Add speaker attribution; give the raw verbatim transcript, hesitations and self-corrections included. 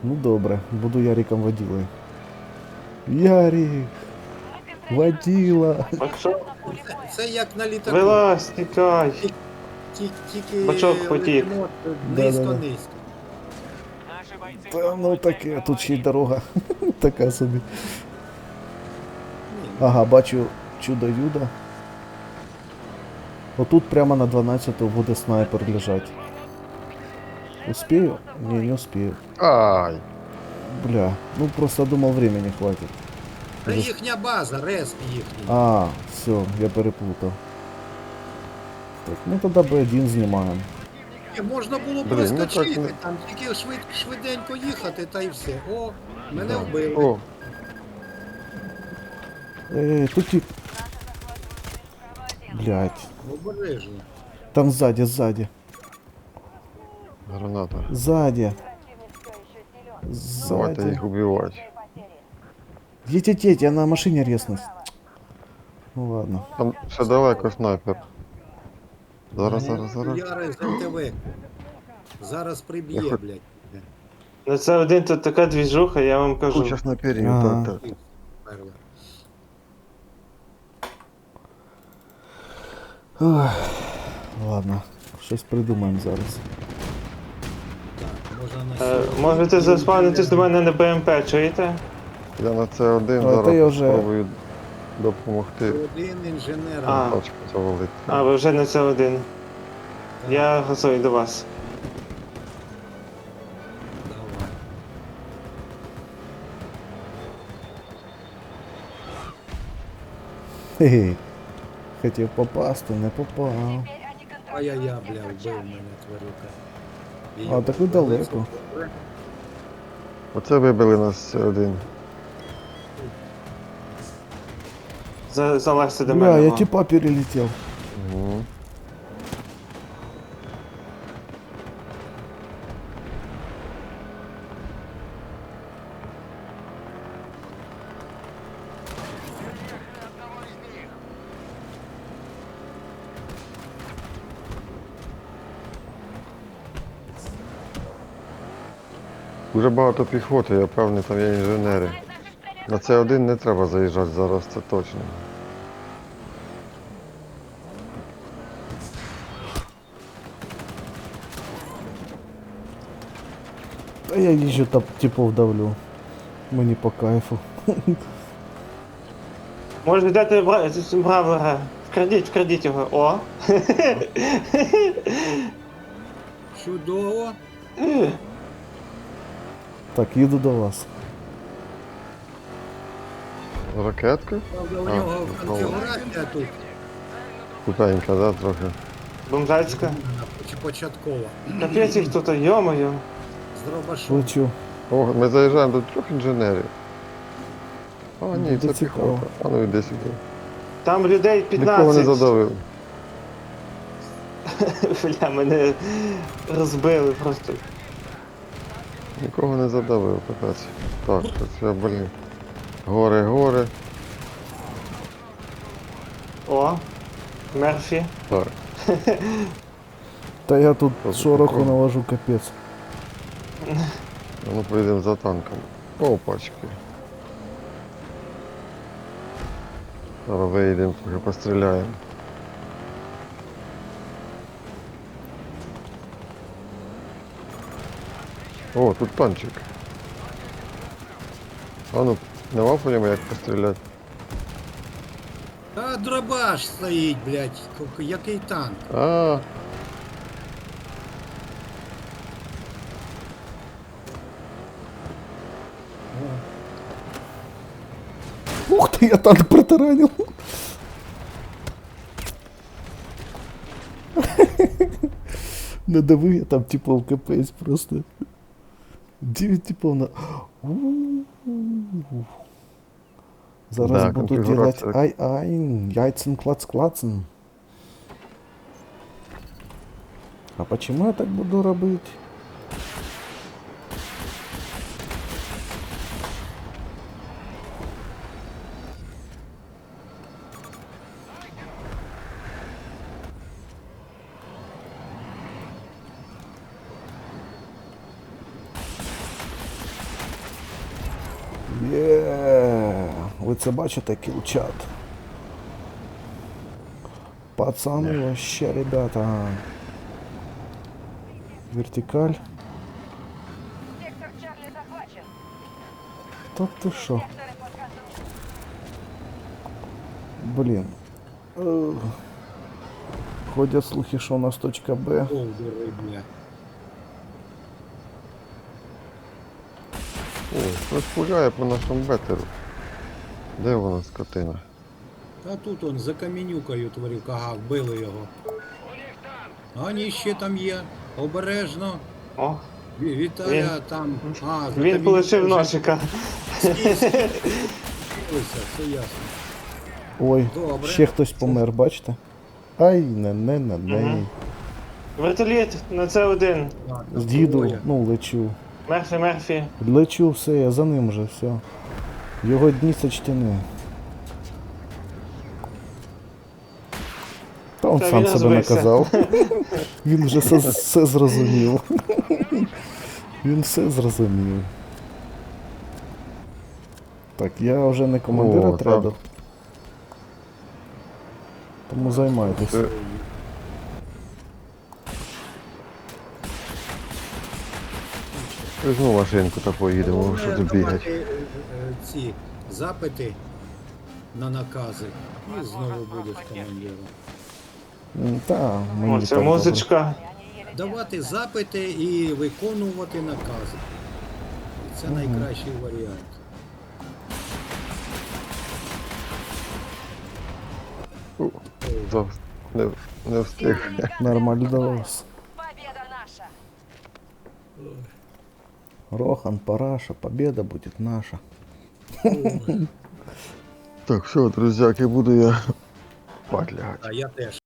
Speaker 1: Ну добре, буду Яриком водилою. Ярик! Водила!
Speaker 2: А що?
Speaker 3: Це, це як на літаку.
Speaker 2: Вилазь, тікай.
Speaker 3: Ті- ті- Тільки
Speaker 2: Бачок потік.
Speaker 3: летимо
Speaker 1: Да-да-да.
Speaker 3: низько-низько.
Speaker 1: Та ну таке, тут ще й дорога. Така собі.
Speaker 3: Ні,
Speaker 1: Ага, бачу чудо-юдо. Отут прямо на дванадцяту буде снайпер лежать. Успею? Не, не успею.
Speaker 4: Ай!
Speaker 1: Бля, ну просто думал времени хватит.
Speaker 3: Це їхня база, респ їхній.
Speaker 1: А, все, я перепутав. Так, ну тоді Б один знімаємо.
Speaker 3: Ні, можна було
Speaker 4: Блін, ну так
Speaker 3: проскочити,
Speaker 4: не-
Speaker 3: там тільки швид, швиденько їхати та й все. О, мене
Speaker 4: Да.
Speaker 3: вбили.
Speaker 4: О,
Speaker 1: Эй, тут тип. Блять.
Speaker 3: Обережно.
Speaker 1: Там сзади, сзади.
Speaker 4: граната.
Speaker 1: Сзади.
Speaker 4: Давайте
Speaker 1: Сзади.
Speaker 4: їх убивати.
Speaker 1: Едь, едь, едь, я на машине резнусь. Ну ладно.
Speaker 4: Там ще далеко снайпер. Зараз,
Speaker 3: Ну,
Speaker 4: зараз, зараз.
Speaker 3: Яри з ем те ве. Зараз приб'є,
Speaker 4: Я хоч-
Speaker 3: блядь.
Speaker 2: На це один тут така двіжуха, я вам кажу.
Speaker 4: Куча снайперів,
Speaker 1: Ага.
Speaker 4: так, так.
Speaker 3: Перла.
Speaker 1: Ох, ладно. Щось придумаємо зараз.
Speaker 3: Так, можна на
Speaker 2: Е,
Speaker 3: сьогодні.
Speaker 2: можете заспавнитись до мене на Б М П, чуєте?
Speaker 4: Я на це один
Speaker 1: А,
Speaker 4: зараз
Speaker 1: ти вже-
Speaker 4: спробую допомогти
Speaker 3: Один інженер.
Speaker 2: А.
Speaker 4: тачку завалити.
Speaker 2: А, ви вже на це один. Я готовий до вас.
Speaker 3: Давай.
Speaker 1: Хе-хе. Хотів попасти, не попав.
Speaker 3: Ай-яй-я, бля, вбив мене тварюка. Її
Speaker 1: А, так ви
Speaker 3: вбили.
Speaker 1: далеко.
Speaker 4: Оце вибили нас один.
Speaker 2: За, залазьте до
Speaker 1: Бля,
Speaker 2: мене.
Speaker 1: я
Speaker 2: о.
Speaker 1: типа перелетел.
Speaker 4: Угу. Дуже багато піхоти, я певний, там є інженери. На це один не треба заїжджати зараз, це точно.
Speaker 1: А я їжджу там типов давлю. Мені по кайфу.
Speaker 2: Може дати бра... бравера. Вкрадіть, вкрадіть його. О!
Speaker 3: Чудово.
Speaker 1: Так, їду до вас.
Speaker 4: Ракетка?
Speaker 3: Правда, у
Speaker 4: А,
Speaker 3: нього
Speaker 4: ну,
Speaker 3: конфігурація тут
Speaker 4: Кутенька, да, трохи.
Speaker 2: Бомжацька.
Speaker 3: чи початкова.
Speaker 2: Капець їх тут, йо-моє.
Speaker 3: З дробашом.
Speaker 1: Лечу.
Speaker 4: О, ми заїжджаємо до трьох інженерів. А, ні,
Speaker 1: Буде
Speaker 4: це
Speaker 1: цікаво.
Speaker 4: піхота. А ну іди сюди.
Speaker 2: Там людей
Speaker 4: Нікого не
Speaker 2: п'ятнадцять.
Speaker 4: задавив.
Speaker 2: Бля, мене розбили просто.
Speaker 4: Нікого не задавив, капець. Так, це все, блін. Гори, гори.
Speaker 2: О! Мерфі.
Speaker 4: Так.
Speaker 1: Та я тут
Speaker 4: Що за
Speaker 1: шороху
Speaker 4: прикол?
Speaker 1: навожу, капець.
Speaker 4: А ну поїдемо за танком. Опачки. Зараз виїдемо, трохи постріляємо. О, тут танчик. А ну, нема по ньому як постріляти.
Speaker 3: А дробаш стоїть, блядь. Ку- Який танк?
Speaker 4: А,
Speaker 1: Ух ты, я танк протаранил. Надавив я там типов капець просто. Дев'ять типов на... У-у-у. Зараз
Speaker 4: Да,
Speaker 1: буду делать
Speaker 4: конфігурація.
Speaker 1: ай-ай, яйцен клац-клацен. А почему я так буду робити? Є, ви це бачите, кілчат? Пацани, вообще, ребята. Вертикаль.
Speaker 5: Сектор Чарли захвачен.
Speaker 1: Та ти що?
Speaker 5: Секторы под контролем.
Speaker 1: Блін. Ех. Ходять слухи, що у нас точка Б.
Speaker 3: Ковдури, бля.
Speaker 4: О, хтось пуляє по нашому бетеру. Де вона, скотина?
Speaker 3: Та тут он за камінюкою тварюка, ага, вбили його. А ні, ще там є. Обережно.
Speaker 2: О,
Speaker 3: Ві- Віталя
Speaker 2: Він-
Speaker 3: там. А, за
Speaker 2: він
Speaker 3: камінюкою
Speaker 2: полишив
Speaker 3: вже
Speaker 2: носика.
Speaker 3: скрізь. Все ясно.
Speaker 1: Ой,
Speaker 3: Добре.
Speaker 1: ще хтось помер, бачите? Ай, не не не не.
Speaker 2: Мгм. Вертоліт на С один.
Speaker 3: Так,
Speaker 1: З діду,
Speaker 3: двоє.
Speaker 1: ну лечу.
Speaker 2: Мерфі, Мерфі.
Speaker 1: Лечу, все, я за ним вже, все. Його дні сочтені. Та він
Speaker 2: Та
Speaker 1: сам
Speaker 2: він
Speaker 1: себе
Speaker 2: розбився.
Speaker 1: наказав. Він вже все, все зрозумів. Він все зрозумів. Так, я вже не командир
Speaker 4: О,
Speaker 1: отряду.
Speaker 4: так.
Speaker 1: Тому займайтесь.
Speaker 4: Це- Візьму машинку та поїдемо,
Speaker 3: Головне
Speaker 4: що тут бігать.
Speaker 3: давати, е, е, ці запити на накази. І знову будеш командиром.
Speaker 1: М, Та, мені
Speaker 2: О, це
Speaker 1: так добре.
Speaker 2: музичка.
Speaker 3: Давати запити і виконувати накази. Це найкращий варіант.
Speaker 4: У, зав- Не, не встиг.
Speaker 1: Нормально.
Speaker 5: Победа наша.
Speaker 1: Рохан, Параша, победа будет наша.
Speaker 4: Так, все, друзяки, буду я спать лягати.
Speaker 3: А я теж.